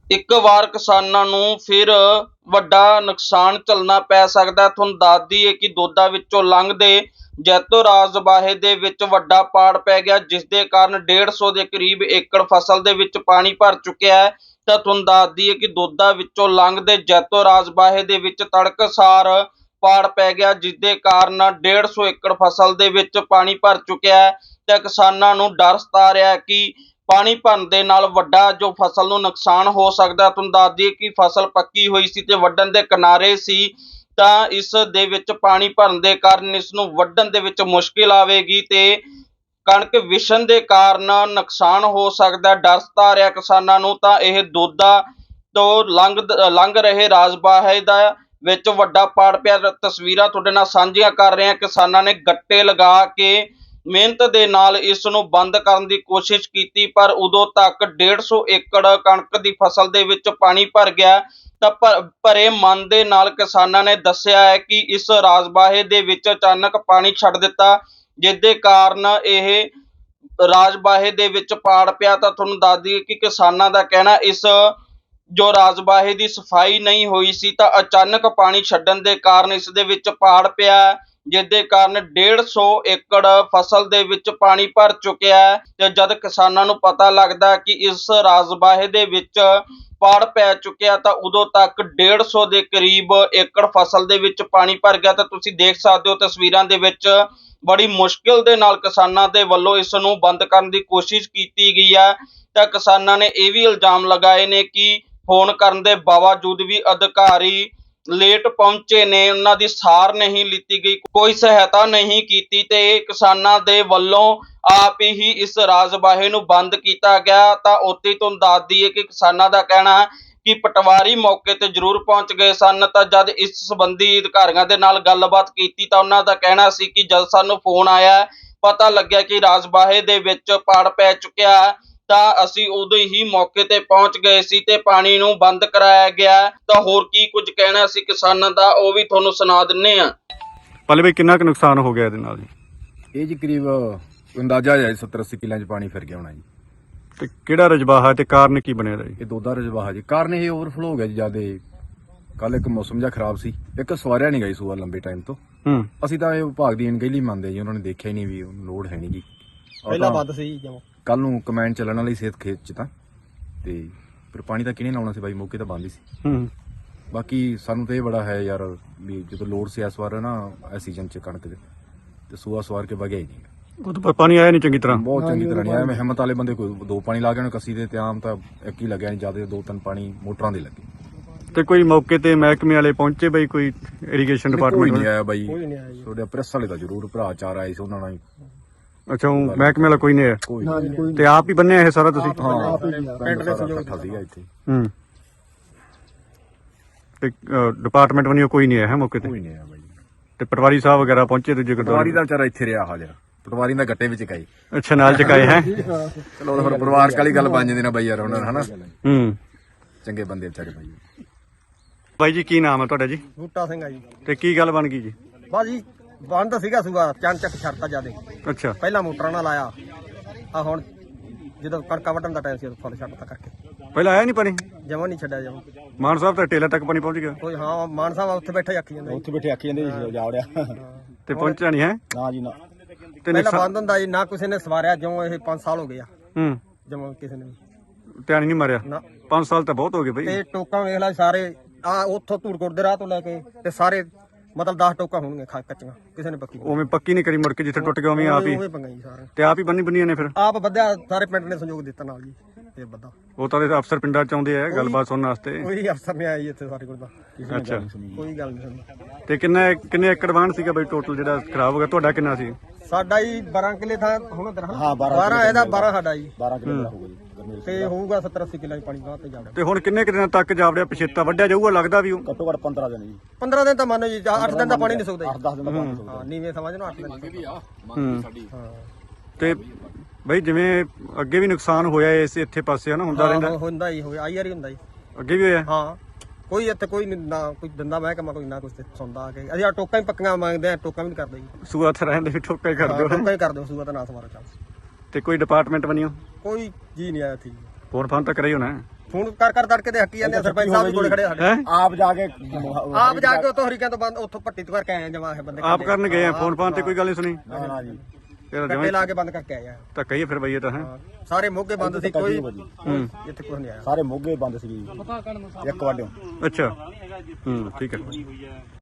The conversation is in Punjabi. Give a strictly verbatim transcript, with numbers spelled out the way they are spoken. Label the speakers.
Speaker 1: ਇੱਕ ਵਾਰ ਕਿਸਾਨਾਂ ਨੂੰ ਫਿਰ ਵੱਡਾ ਨੁਕਸਾਨ ਝੱਲਣਾ ਪੈ ਸਕਦਾ। ਤੁਹਾਨੂੰ ਦੱਸ ਦਈਏ ਕਿ ਦੋਦਾ ਵਿੱਚੋਂ ਲੰਘਦੇ ਜੈਤੋ ਰਾਜਬਾਹੇ ਦੇ ਵਿੱਚ ਵੱਡਾ ਪਾੜ ਪੈ ਗਿਆ, ਜਿਸ ਦੇ ਕਾਰਨ ਡੇਢ ਸੌ ਦੇ ਕਰੀਬ ਏਕੜ ਫਸਲ ਦੇ ਵਿੱਚ ਪਾਣੀ ਭਰ ਚੁੱਕਿਆ ਹੈ। ਤਾਂ ਤੁਹਾਨੂੰ ਦੱਸ ਦਈਏ ਕਿ ਦੋਦਾ ਵਿੱਚੋਂ ਲੰਘਦੇ ਜੈਤੋ ਰਾਜਬਾਹੇ ਦੇ ਵਿੱਚ ਤੜਕਸਾਰ ਪਾੜ ਪੈ ਗਿਆ, ਜਿਸ ਦੇ ਕਾਰਨ ਡੇਢ ਸੌ ਏਕੜ ਫਸਲ ਦੇ ਵਿੱਚ ਪਾਣੀ ਭਰ ਚੁੱਕਿਆ ਹੈ। ਤੇ ਕਿਸਾਨਾਂ ਨੂੰ ਡਰ ਸਤਾ ਰਿਹਾ ਕਿ ਪਾਣੀ ਭਰਨ ਦੇ ਨਾਲ ਵੱਡਾ ਜੋ ਫਸਲ ਨੂੰ ਨੁਕਸਾਨ ਹੋ ਸਕਦਾ। ਤੁਹਾਨੂੰ ਦੱਸ ਦਈਏ ਕਿ ਫਸਲ ਪੱਕੀ ਹੋਈ ਸੀ ਤੇ ਵੱਢਣ ਦੇ ਕਿਨਾਰੇ ਸੀ, ਤਾਂ ਇਸ ਦੇ ਵਿੱਚ ਪਾਣੀ ਭਰਨ ਦੇ ਕਾਰਨ ਇਸ ਨੂੰ ਵੱਢਣ ਦੇ ਵਿੱਚ ਮੁਸ਼ਕਿਲ ਆਵੇਗੀ ਤੇ ਕਣਕ ਵਿਛਣ ਦੇ ਕਾਰਨ ਨੁਕਸਾਨ ਹੋ ਸਕਦਾ। ਡਰ ਸਤਾ ਰਿਹਾ ਕਿਸਾਨਾਂ ਨੂੰ। ਤਾਂ ਇਹ ਦੋਦਾ ਤੋਂ ਲੰਘ ਲੰਘ ਰਹੇ ਰਾਜਬਾਹੇ ਦਾ ਵਿੱਚ ਵੱਡਾ ਪਾੜ ਪਿਆ। ਤਸਵੀਰਾਂ ਤੁਹਾਡੇ ਨਾਲ ਸਾਂਝੀਆਂ ਕਰ ਰਹੇ ਹਾਂ। ਕਿਸਾਨਾਂ ਨੇ ਗੱਟੇ ਲਗਾ ਕੇ ਮਿਹਨਤ ਦੇ ਨਾਲ ਇਸ ਨੂੰ ਬੰਦ ਕਰਨ ਦੀ ਕੋਸ਼ਿਸ਼ ਕੀਤੀ, ਪਰ ਉਦੋਂ ਤੱਕ ਡੇਢ ਸੌ ਏਕੜ ਕਣਕ ਦੀ ਫਸਲ ਦੇ ਵਿੱਚ ਪਾਣੀ ਭਰ ਗਿਆ। ਤਾਂ ਭਰੇ ਮਨ ਦੇ ਨਾਲ ਕਿਸਾਨਾਂ ਨੇ ਦੱਸਿਆ ਹੈ ਕਿ ਇਸ ਰਾਜਬਾਹੇ ਦੇ ਵਿੱਚ ਅਚਾਨਕ ਪਾਣੀ ਛੱਡ ਦਿੱਤਾ, ਜਿਸ ਦੇ ਕਾਰਨ ਇਹ ਰਾਜਬਾਹੇ ਦੇ ਵਿੱਚ ਪਾੜ ਪਿਆ। ਤਾਂ ਤੁਹਾਨੂੰ ਦੱਸ ਦਈਏ ਕਿ ਕਿਸਾਨਾਂ ਦਾ ਕਹਿਣਾ ਇਸ ਜੋ ਰਾਜਬਾਹੇ ਦੀ ਸਫਾਈ ਨਹੀਂ ਹੋਈ ਸੀ, ਤਾਂ ਅਚਾਨਕ ਪਾਣੀ ਛੱਡਣ ਦੇ ਕਾਰਨ ਇਸ ਦੇ ਵਿੱਚ ਪਾੜ ਪਿਆ, ਜਿਸ ਦੇ ਕਾਰਨ ਡੇਢ ਸੌ ਏਕੜ ਫਸਲ ਦੇ ਵਿੱਚ ਪਾਣੀ ਭਰ ਚੁੱਕਿਆ ਹੈ। ਤੇ ਜਦ ਕਿਸਾਨਾਂ ਨੂੰ ਪਤਾ ਲੱਗਦਾ ਕਿ ਇਸ ਰਾਜਬਾਹੇ ਦੇ ਵਿੱਚ ਪਾੜ ਪੈ ਚੁੱਕਿਆ, ਤਾਂ ਉਦੋਂ ਤੱਕ ਡੇਢ ਸੌ ਦੇ ਕਰੀਬ ਏਕੜ ਫਸਲ ਦੇ ਵਿੱਚ ਪਾਣੀ ਭਰ ਗਿਆ। ਤਾਂ ਤੁਸੀਂ ਦੇਖ ਸਕਦੇ ਹੋ ਤਸਵੀਰਾਂ ਦੇ ਵਿੱਚ ਬੜੀ ਮੁਸ਼ਕਿਲ ਦੇ ਨਾਲ ਕਿਸਾਨਾਂ ਦੇ ਵੱਲੋਂ ਇਸ ਨੂੰ ਬੰਦ ਕਰਨ ਦੀ ਕੋਸ਼ਿਸ਼ ਕੀਤੀ ਗਈ ਹੈ। ਤਾਂ ਕਿਸਾਨਾਂ ਨੇ ਇਹ ਵੀ ਇਲਜ਼ਾਮ ਲਗਾਏ ਨੇ ਕਿ ਫੋਨ ਕਰਨ ਦੇ ਬਾਵਜੂਦ ਵੀ ਅਧਿਕਾਰੀ ਲੇਟ ਪਹੁੰਚੇ ਨੇ, ਉਹਨਾਂ ਦੀ ਸਾਰ ਨਹੀਂ ਲਿੱਤੀ ਗਈ, ਕੋਈ ਸਹਾਇਤਾ ਨਹੀਂ ਕੀਤੀ ਤੇ ਕਿਸਾਨਾਂ ਦੇ ਵੱਲੋਂ ਆਪ ਹੀ ਇਸ ਰਾਜਬਾਹੇ ਨੂੰ ਬੰਦ ਕੀਤਾ ਗਿਆ। ਤਾਂ ਉੱਥੇ ਤੁਹਾਨੂੰ ਦੱਸ ਦਈਏ ਕਿ ਕਿਸਾਨਾਂ ਦਾ ਕਹਿਣਾ ਕਿ ਪਟਵਾਰੀ ਮੌਕੇ ਤੇ ਜ਼ਰੂਰ ਪਹੁੰਚ ਗਏ ਸਨ। ਤਾਂ ਜਦ ਇਸ ਸੰਬੰਧੀ ਅਧਿਕਾਰੀਆਂ ਦੇ ਨਾਲ ਗੱਲਬਾਤ ਕੀਤੀ ਤਾਂ ਉਹਨਾਂ ਦਾ ਕਹਿਣਾ ਸੀ ਕਿ ਜਦ ਸਾਨੂੰ ਫੋਨ ਆਇਆ, ਪਤਾ ਲੱਗਿਆ ਕਿ ਰਾਜਬਾਹੇ ਦੇ ਵਿੱਚ ਪਾੜ ਪੈ ਚੁੱਕਿਆ, ਤਾਂ ਅਸੀਂ ਉਦੋਂ ਹੀ ਮੌਕੇ ਤੇ ਪਹੁੰਚ ਗਏ ਸੀ ਤੇ ਪਾਣੀ ਨੂੰ ਬੰਦ ਕਰਾਇਆ ਗਿਆ। ਤਾਂ ਹੋਰ ਕੀ ਕੁਝ ਕਹਿਣਾ ਸੀ ਕਿਸਾਨਾਂ ਦਾ, ਉਹ ਵੀ ਤੁਹਾਨੂੰ ਸੁਣਾ ਦਿੰਨੇ ਆ।
Speaker 2: ਪੱਲੇ ਬਈ ਕਿੰਨਾ ਕੁ ਨੁਕਸਾਨ ਹੋ ਗਿਆ ਇਹਦੇ ਨਾਲ ਜੀ?
Speaker 3: ਇਹ ਜੀ ਕਰੀਬ ਅੰਦਾਜ਼ਾ ਹੈ ਸੱਤਰ ਅੱਸੀ ਕਿੱਲਿਆਂ 'ਚ ਪਾਣੀ ਫਿਰ ਗਿਆ ਹੋਣਾ ਜੀ।
Speaker 2: ਤੇ ਕਿਹੜਾ ਰਜਬਾਹਾ ਤੇ ਕਾਰਨ ਕੀ ਬਣਿਆ ਜੀ?
Speaker 3: ਇਹ ਦੋਦਾ ਰਜਬਾਹਾ ਜੀ। ਕਾਰਨ ਇਹ ਓਵਰਫਲੋ ਹੋ ਗਿਆ ਜੀ ਜਿਆਦੇ। ਕੱਲ ਇੱਕ ਮੌਸਮ ਜਿਹਾ ਖਰਾਬ ਸੀ, ਇੱਕ ਸਵਾਰਿਆ ਨਹੀਂ ਗਈ ਸੂਆ ਲੰਬੇ ਟਾਈਮ ਤੋਂ।
Speaker 2: ਹੂੰ
Speaker 3: ਅਸੀਂ ਤਾਂ ਇਹ ਵਿਭਾਗ ਦੀ ਅਣਗਹਿਲੀ ਮੰਨਦੇ ਜੀ, ਉਹਨਾਂ ਨੇ ਦੇਖਿਆ ਹੀ ਨਹੀਂ ਵੀ ਲੋੜ ਹੈ ਨਹੀਂ ਜੀ।
Speaker 4: ਪਹਿਲਾਂ ਵੱਧ ਸੀ ਜਮਾ।
Speaker 3: ਕੱਲ ਨੂੰ ਕਮੈਂਡ ਚੱਲਣ ਵਾਲੀ ਸਿਹਤ ਖੇਤ 'ਚ ਤਾਂ ਤੇ ਫਿਰ ਪਾਣੀ ਤਾਂ ਕਿਹਨੇ ਲਾਉਣਾ ਸੀ ਬਾਈ, ਮੌਕੇ ਤਾਂ ਬੰਦ ਹੀ ਸੀ।
Speaker 2: ਹੂੰ
Speaker 3: ਬਾਕੀ ਸਾਨੂੰ ਤਾਂ ਇਹ ਬੜਾ ਹੈ ਯਾਰ ਵੀ ਜਦੋਂ ਲੋੜ ਸੀ ਇਸ ਵਾਰ ਨਾ ਇਸ ਸੀਜ਼ਨ 'ਚ ਕਣਕ ਦੇ, ਤੇ ਸੂਆ ਸਵਾਰ ਕੇ ਵਗਿਆ ਹੀ ਨਹੀਂ।
Speaker 2: ਉਹ ਤਾਂ ਪਾਣੀ ਆਇਆ ਨਹੀਂ ਚੰਗੀ ਤਰ੍ਹਾਂ।
Speaker 3: ਬਹੁਤ ਚੰਗੀ ਤਰ੍ਹਾਂ ਨਹੀਂ ਆਇਆ। ਮੈਂ ਹਿੰਮਤ ਵਾਲੇ ਬੰਦੇ ਕੋਈ ਦੋ ਪਾਣੀ ਲਾ ਗਏ ਨੇ ਕੱਸੀ ਦੇ, ਤੇ ਆਮ ਤਾਂ ਇੱਕ ਹੀ ਲੱਗਿਆ ਨਹੀਂ, ਜਿਆਦਾ ਦੋ ਤਿੰਨ ਪਾਣੀ ਮੋਟਰਾਂ ਦੇ ਲੱਗੇ।
Speaker 2: ਤੇ ਕੋਈ ਮੌਕੇ ਤੇ ਮਹਿਕਮੇ ਵਾਲੇ ਪਹੁੰਚੇ ਬਈ, ਕੋਈ ਇਰੀਗੇਸ਼ਨ
Speaker 3: ਕੋਈ
Speaker 2: ਡਿਪਾਰਟਮੈਂਟ?
Speaker 3: ਨਹੀਂ ਆਇਆ ਬਾਈ।
Speaker 4: ਕੋਈ ਨਹੀਂ ਆਇਆ ਜੀ।
Speaker 3: ਤੁਹਾਡੇ ਪ੍ਰੈਸ ਵਾਲੇ ਤਾਂ ਜ਼ਰੂਰ ਭਰਾ ਚਾਰ ਆਏ ਸੀ, ਉਹਨਾਂ ਨਾਲ ਹੀ
Speaker 2: ਅੱਛਾ, ਉਹ ਮਹਿਕਮੇ ਵਾਲਾ ਕੋਈ ਨਹੀਂ ਆਇਆ?
Speaker 3: ਕੋਈ
Speaker 4: ਨਾ ਜੀ, ਕੋਈ
Speaker 2: ਤੇ ਆਪ ਹੀ ਬੰਨਿਆ ਇਹ ਸਾਰਾ ਤੁਸੀਂ?
Speaker 3: ਹਾਂ
Speaker 4: ਪਿੰਡ ਦੇ ਸਹਿਯੋਗ
Speaker 3: ਇਕੱਠਾ ਸੀਗਾ ਇੱਥੇ।
Speaker 2: ਹੂੰ ਤੇ ਡਿਪਾਰਟਮੈਂਟ ਵੱਲੋਂ ਕੋਈ ਨਹੀਂ ਆਇਆ ਹੈ ਮੌਕੇ ਤੇ?
Speaker 3: ਕੋਈ ਨਹੀਂ ਆਇਆ ਬਾਈ।
Speaker 2: ਤੇ ਪਟਵਾਰੀ ਸਾਹਿਬ ਵਗੈਰਾ ਪਹੁੰਚੇ ਦੂਜੇ
Speaker 3: ਪਟਵਾਰੀ
Speaker 2: ਗੁਰਦੁਆਰੇ?
Speaker 3: ਦਾ ਵਿਚਾਰਾ ਇੱਥੇ ਰਿਹਾ ਹਾਜ਼ਰ, ਪਟਵਾਰੀ ਦਾ ਗੱਟੇ ਵਿੱਚ ਕਾਈ।
Speaker 2: ਅੱਛਾ, ਨਾਲ ਚਕਾਏ ਹੈ?
Speaker 3: ਚਲੋ ਉਹ ਫਿਰ ਪਰਿਵਾਰਕ ਵਾਲੀ ਗੱਲ ਬਣ ਜਾਂਦੀ ਨਾ ਬਾਈ ਯਾਰ, ਉਹਨਾਂ ਹਨਾ
Speaker 2: ਹੂੰ
Speaker 3: ਚੰਗੇ ਬੰਦੇ ਵਿਚਾਰੇ ਬਾਈ।
Speaker 2: ਬਾਈ ਜੀ ਕੀ ਨਾਮ ਹੈ ਤੁਹਾਡਾ ਜੀ?
Speaker 4: ਬੂਟਾ ਸਿੰਘ ਆ ਜੀ।
Speaker 2: ਤੇ ਕੀ ਗੱਲ ਬਣ ਗਈ ਜੀ?
Speaker 4: ਬਸ ਜੀ ਬੰਦ ਸੀਗਾ ਸੂਆ, ਚੰਨ ਚੱਕ ਛੱਡਤਾ ਜਿਆਦੇ।
Speaker 2: ਅੱਛਾ
Speaker 4: ਪਹਿਲਾਂ ਮੋਟਰਾਂ ਨਾਲ ਆਇਆ, ਆ ਹੁਣ ਜਦੋਂ ਕਣਕਾਂ ਵੱਢਣ ਦਾ ਟਾਈਮ ਸੀ ਉਦੋਂ ਫੁੱਲ ਛੱਡਤਾ ਕਰਕੇ
Speaker 2: ਪਹਿਲਾਂ ਆਇਆ ਨਹੀਂ ਪਾਣੀ?
Speaker 4: ਜਮਾਂ ਨਹੀਂ ਛੱਡਿਆ ਜਮਾਂ।
Speaker 2: ਮਾਨ ਸਾਹਿਬ ਤਾਂ ਟੇਲਾ ਤੱਕ ਪਾਣੀ ਪਹੁੰਚ ਗਿਆ।
Speaker 4: ਕੋਈ ਹਾਂ ਮਾਨ ਸਾਹਿਬ ਉੱਥੇ ਬੈਠੇ ਆਖੀ ਜਾਂਦੇ
Speaker 3: ਉੱਥੇ ਬੈਠੇ ਆਖੀ ਜਾਂਦੇ ਜਾ ਵੜਿਆ
Speaker 2: ਤੇ ਪਹੁੰਚਿਆ ਨਹੀਂ ਹੈ?
Speaker 3: ਨਾ ਜੀ ਨਾ।
Speaker 2: ਤੇ
Speaker 4: ਪਹਿਲਾਂ
Speaker 2: ਨੁਕਸਾਨ-
Speaker 4: ਬੰਦ ਹੁੰਦਾ ਜੀ, ਨਾ ਕਿਸੇ ਨੇ ਸਵਾਰਿਆ, ਜਿਉਂ ਇਹ ਪੰਜ ਸਾਲ ਹੋ ਗਏ ਆ
Speaker 2: ਹੂੰ
Speaker 4: ਜਮਾਂ ਕਿਸੇ ਨੇ ਵੀ।
Speaker 2: ਧਿਆਨ ਹੀ ਨਹੀਂ ਮਾਰਿਆ?
Speaker 4: ਨਾ।
Speaker 2: ਪੰਜ ਸਾਲ ਤਾਂ ਬਹੁਤ ਹੋ ਗਏ ਬਈ।
Speaker 4: ਤੇ ਟੋਕਾਂ ਵੇਖ ਲੈ ਸਾਰੇ, ਆ ਉੱਥੋਂ ਧੂੜਕੋਟ ਦੇ ਰਾਹ ਤੋਂ ਲੈ ਕੇ ਤੇ ਸਾਰੇ ਮਤਲਬ ਦਸ ਟੋਕਾਂ ਹੋਣਗੀਆਂ ਖਾ ਕੱਚੀਆਂ, ਕਿਸੇ ਨੇ ਪੱਕੀ
Speaker 2: ਉਵੇਂ ਪੱਕੀ ਨਹੀਂ ਕਰੀ, ਮੁੜ ਕੇ ਜਿੱਥੇ ਟੁੱਟ ਗਿਆ ਉਵੇਂ ਆਪ ਹੀ
Speaker 4: ਉਵੇਂ ਪੰਗਾ ਜੀ ਸਾਰੇ।
Speaker 2: ਤੇ ਆਪ ਹੀ ਬੰਨੀ ਬੰਨੀਆਂ ਨੇ ਫਿਰ?
Speaker 4: ਆਪ ਵਧਿਆ, ਸਾਰੇ ਪਿੰਡ ਨੇ ਸਹਿਯੋਗ ਦਿੱਤਾ ਨਾਲ ਜੀ। ਇਹ ਬੰਦਾ
Speaker 2: ਉਹ ਤਾਂ ਇਹਦੇ ਅਫਸਰ ਪਿੰਡਾਂ ਚ ਆਉਂਦੇ ਆ ਗੱਲਬਾਤ ਸੁਣਨ ਵਾਸਤੇ।
Speaker 4: ਕੋਈ ਅਫਸਰ ਨਹੀਂ ਆਇਆ ਜੀ ਇੱਥੇ ਸਾਡੇ ਕੋਲ ਤਾਂ,
Speaker 2: ਅੱਛਾ,
Speaker 4: ਕੋਈ ਗੱਲ ਨਹੀਂ ਸੁਣੀ।
Speaker 2: ਤੇ ਕਿੰਨਾ ਕਿੰਨੇ ਏਕੜ ਵਾਹਣ ਸੀਗਾ ਬਈ ਟੋਟਲ ਜਿਹੜਾ ਖਰਾਬ ਹੋ ਗਿਆ? ਤੁਹਾਡਾ ਕਿੰਨਾ ਸੀ?
Speaker 4: ਸਾਡਾ ਜੀ ਬਾਰਾਂ ਕਿੱਲੇ ਥਾਂ ਹੁਣ ਦਰਾਂ।
Speaker 3: ਹਾਂ, ਬਾਰਾਂ
Speaker 4: ਬਾਰਾਂ ਇਹਦਾ ਬਾਰਾਂ ਸਾਡਾ ਜੀ,
Speaker 3: ਬਾਰਾਂ ਕਿਲੋ ਹੋਊਗਾ ਜੀ
Speaker 4: ਤੇ ਹੋਊਗਾ ਸੱਤਰ ਅੱਸੀ ਕਿੱਲਾ ਪਾਣੀ ਗਾਂ ਤੇ ਜਾਵੜਾ।
Speaker 2: ਤੇ ਹੁਣ ਕਿੰਨੇ ਕੁ ਦਿਨਾਂ ਤੱਕ ਜਾਵੜਿਆ ਪਛੇਤਾ ਵੱਢਿਆ ਜਾਊਗਾ ਲੱਗਦਾ ਵੀ? ਉਹ
Speaker 3: ਘੱਟੋ ਘੱਟ ਪੰਦਰਾਂ ਦਿਨ ਜੀ।
Speaker 4: ਪੰਦਰਾਂ ਦਿਨ ਤਾਂ ਮੰਨੋ ਜੀ, ਅੱਠ ਦਿਨ ਦਾ ਪਾਣੀ ਨਹੀਂ ਸੁੱਕਦਾ ਜੀ।
Speaker 3: ਦਸ ਦਿਨ ਦਾ ਪਾਣੀ ਸੁੱਕਦਾ।
Speaker 4: ਹਾਂ ਨੀਵੇਂ ਸਮਝ ਲਓ, ਅੱਠ ਦਿਨ
Speaker 2: ਹੂੰ
Speaker 4: ਹਾਂ
Speaker 2: ਤੇ ਬਈ ਜਿਵੇਂ ਅੱਗੇ ਵੀ ਨੁਕਸਾਨ ਹੋਇਆ ਇਸ ਇੱਥੇ ਪਾਸੇ ਹਨਾ, ਹੁੰਦਾ ਰਹਿੰਦਾ?
Speaker 4: ਹੁੰਦਾ ਹੀ ਹੋਇਆ, ਆਈ ਵਾਰੀ ਹੁੰਦਾ ਜੀ।
Speaker 2: ਅੱਗੇ ਵੀ ਹੋਇਆ?
Speaker 4: ਹਾਂ ਕੋਈ ਇੱਥੇ ਕੋਈ ਨੀ, ਨਾ ਕੋਈ ਦੰਦਾ ਮਹਿਕਮਾ, ਕੋਈ ਨਾ ਕੁਛ ਤੇ ਸੁਣਦਾ ਆ ਕੇ। ਅਸੀਂ ਆ ਟੋਕਾਂ ਹੀ ਪੱਕੀਆਂ ਮੰਗਦੇ ਆ, ਟੋਕਾਂ ਵੀ ਨਹੀਂ ਕਰਦੇ ਜੀ।
Speaker 2: ਸੂਆ ਤੇ ਰਹਿੰਦੇ ਵੀ ਠੋਕਾ ਹੀ ਕਰ
Speaker 4: ਹਾਂ,
Speaker 2: ਦਿਓ।
Speaker 4: ਟੋਕਾਂ ਹੀ ਕਰਦੇ ਸੂਆ ਤਾਂ ਨਾ ਸਮਾਰੋ ਚੱਲ।
Speaker 2: ਤੇ ਕੋਈ ਡਿਪਾਰਟਮੈਂਟ ਬਣਿਓ?
Speaker 4: ਕੋਈ ਜੀ ਨਹੀਂ ਆਇਆ ਇੱਥੇ।
Speaker 2: ਫੋਨ ਫਾਨ ਤਾਂ ਕਰਿਆ ਹੀ ਹੋਣਾ?
Speaker 4: ਫੋਨ ਕਰ ਕਰ ਤੜਕੇ ਦੇ ਹੱਕੀ ਜਾਂਦੇ ਆ, ਸਰਪੰਚ ਸਾਹਿਬ ਵੀ ਕੋਲੇ ਖੜੇ ਆ ਸਾਡੇ।
Speaker 2: ਹੈ
Speaker 5: ਆਪ ਜਾ ਕੇ
Speaker 4: ਆਪ ਜਾ ਕੇ ਉੱਥੋਂ ਹਰੀਕਿਆਂ ਤੋਂ ਬੰਦ ਉੱਥੋਂ ਪੱਟੀ ਤੋਂ ਕਰਕੇ ਆਏ ਆ ਜਮਾ ਇਹ ਬੰਦੇ
Speaker 2: ਆਪ ਕਰਨ ਗਏ ਆ ਫੋਨ ਫਾਨ ਤੇ ਕੋਈ ਗੱਲ ਨਹੀਂ ਸੁਣੀ
Speaker 5: ਨਾ ਨਾ ਜੀ
Speaker 2: ਫਿਰ
Speaker 4: ਕੱਟੇ
Speaker 2: ਜਿਵੇਂ
Speaker 4: ਲਾ ਕੇ ਬੰਦ ਕਰਕੇ ਆਏ ਆ।
Speaker 2: ਧੱਕਾ ਹੀ ਆ ਫਿਰ ਬਈ ਇਹ ਤਾਂ ਹੈ
Speaker 4: ਸਾਰੇ ਮੋਗੇ ਬੰਦ ਸੀ, ਕੋਈ
Speaker 2: ਹੂੰ
Speaker 4: ਇੱਥੇ ਕੁਝ ਨਹੀਂ ਆਇਆ।
Speaker 5: ਸਾਰੇ ਮੋਗੇ ਬੰਦ ਸੀ ਇੱਕ ਵਾਰ
Speaker 2: ਅੱਛਾ ਹੂੰ ਠੀਕ ਹੈ